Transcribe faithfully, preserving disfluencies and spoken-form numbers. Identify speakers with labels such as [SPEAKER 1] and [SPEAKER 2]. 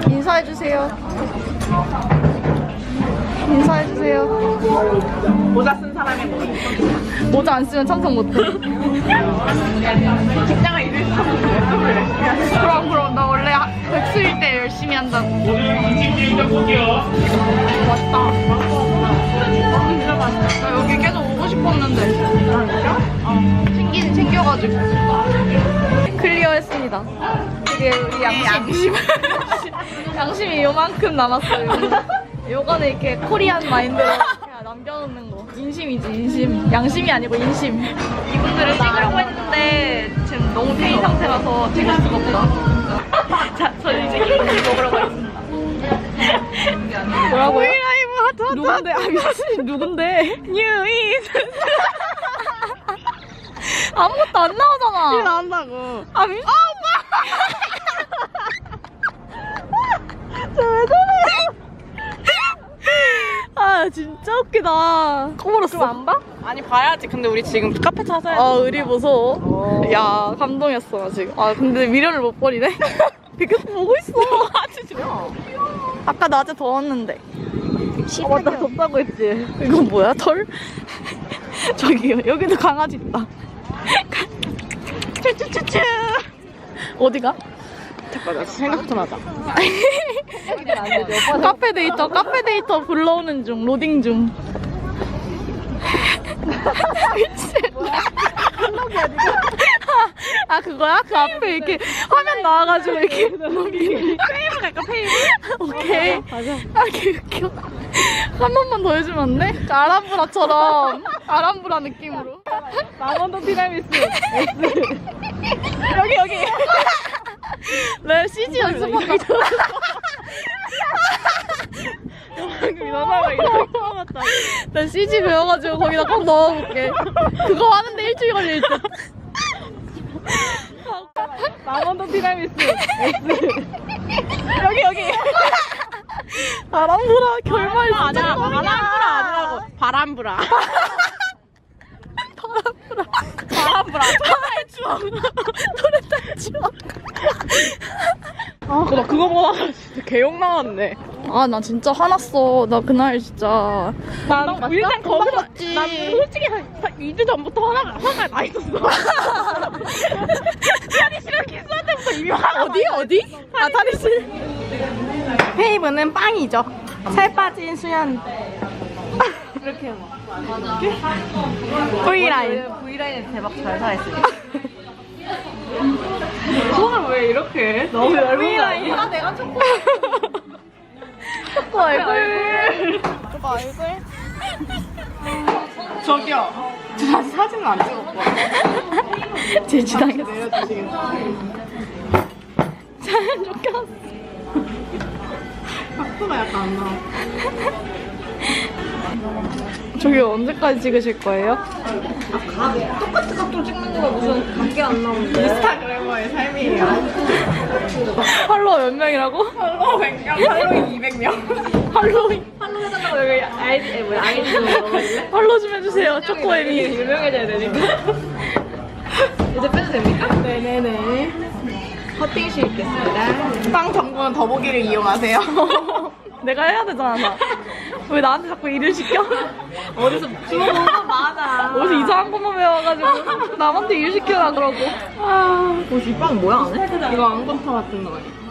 [SPEAKER 1] 인사해주세요. 인사해주세요.
[SPEAKER 2] 모자 쓴 사람이 뭐
[SPEAKER 1] 모자 안 쓰면 참석 못해.
[SPEAKER 2] 직장을 잃을 수 없는
[SPEAKER 1] 그럼 그럼 나 원래 백수일 때 열심히 한다고. 맛있다.
[SPEAKER 2] 진짜 맛있어.
[SPEAKER 1] 나 여기 계속 오고 싶었는데. 어, 챙긴 챙겨가지고. 클리어했습니다. 이게 우리 양심. 양심이 요만큼 남았어요. 요거는 이렇게 코리안 마인드로 그냥 남겨놓는 거. 인심이지 인심. 양심이 아니고 인심. 이분들을 찍으려고 했는데 지금 너무 페인 상태라서 찍을 수가 없다. 자, 저는 이제 케이크를 먹으러 가겠습니다. 뭐라고요?
[SPEAKER 2] 브이라이브 하트 하트.
[SPEAKER 1] 누군데? 아 미친 누군데?
[SPEAKER 2] 뉴인.
[SPEAKER 1] 아무것도 안 나오잖아.
[SPEAKER 2] 이거 나온다고.
[SPEAKER 1] 아 미. 아
[SPEAKER 2] 쟤왜 저래?
[SPEAKER 1] 아 진짜 웃기다. 꺼버렸어.
[SPEAKER 2] 안 봐? 아니 봐야지. 근데 우리 지금 카페 찾아야 돼.
[SPEAKER 1] 아 의리 무서워. 야 감동했어 나 지금. 아 근데 미련을 못 버리네. 계속 보고 있어.
[SPEAKER 2] 아주 좋아.
[SPEAKER 1] 아까 낮에 더웠는데.
[SPEAKER 2] 아 맞다 덥다고 했지.
[SPEAKER 1] 이건 뭐야 털? 저기요 여기도 강아지 있다.
[SPEAKER 2] 쭈쭈쭈쭈.
[SPEAKER 1] 어디가?
[SPEAKER 2] 잠깐만 생각 좀 하자.
[SPEAKER 1] 카페 데이터 카페 데이터 불러오는 중 로딩 중. 미친. 아 그거야? 그 앞에 이렇게 화면 나와가지고 이렇게
[SPEAKER 2] 페이브 갈까 페이브?
[SPEAKER 1] 오케이. 아 개웃겨. 한 번만 더 해주면 안 돼? 그 아람브라처럼 아람브라 느낌으로.
[SPEAKER 2] 망원동 티라미수 S. 여기 여기.
[SPEAKER 1] 내 씨지 연습한다.
[SPEAKER 2] 너나가 이렇게 뽑았다.
[SPEAKER 1] 나 씨지 배워가지고 거기다 꼭 넣어볼게. 그거 하는데 일주일 걸릴 듯.
[SPEAKER 2] 망원동 티라미수 S. 여기 여기.
[SPEAKER 1] 아람브라 결말
[SPEAKER 2] 아니야.
[SPEAKER 1] 진짜
[SPEAKER 2] 바람브라 아니라고. 바람브라.
[SPEAKER 1] 바람브라.
[SPEAKER 2] 바람브라. 토탈 추억.
[SPEAKER 1] 토레탈 추억.
[SPEAKER 2] 아, 나 그거 보다가 진짜 개욕 나왔네.
[SPEAKER 1] 아 나 진짜 화났어. 나 그날 진짜.
[SPEAKER 2] 난 일단 거기서
[SPEAKER 1] 맞지.
[SPEAKER 2] 난 솔직히 한 이 주 전부터 화가 화가 나 있었어. 탈의실은 키스할 때부터 이미 화가
[SPEAKER 1] 어디 어디? 아 탈의실.
[SPEAKER 2] 페이브는 빵이죠. 살 빠진 수연. 이렇게 해봐. V라인.
[SPEAKER 1] V라인은 대박 잘 살았어요.
[SPEAKER 2] 손을 왜 이렇게 해? 너무 얇은 거 아니야?
[SPEAKER 1] 아 내가 초코. 초코 얼굴. 초코 얼굴.
[SPEAKER 2] 저기요. 저 아직 사진은 안 찍었거든요.
[SPEAKER 1] 제지당했어.
[SPEAKER 2] 내려주시겠어요?
[SPEAKER 1] 잘 쫓겼어.
[SPEAKER 2] 각도가 약간 안 나와.
[SPEAKER 1] 저기 언제까지 찍으실 거예요?
[SPEAKER 2] 똑같은 각도 찍는 거가 무슨 각기 안 나오는데. 인스타그래머의 삶이에요.
[SPEAKER 1] 팔로워 몇 명이라고?
[SPEAKER 2] 팔로워 백 명, 팔로워 이백 명.
[SPEAKER 1] 팔로잉.
[SPEAKER 2] 팔로우 해달라고 여기 아이디, 뭐야, 아이디 좀 넣어볼래?
[SPEAKER 1] 팔로우 좀 해주세요. 초코에미.
[SPEAKER 2] 유명해져야 되니까. 이제 빼도 됩니까? 네네네. 커팅실 있겠습니다. 빵 정보는 더보기를 이용하세요.
[SPEAKER 1] 내가 해야 되잖아. 나. 왜 나한테 자꾸 일을 시켜?
[SPEAKER 2] 어디서 주워본 거 많아.
[SPEAKER 1] 어디서 이상한 것만 배워가지고 남한테 일 시켜라 그러고.
[SPEAKER 2] 아, 뭐지? 빵 뭐야, 안 해? 이거 앙건파 같은 거 아니야?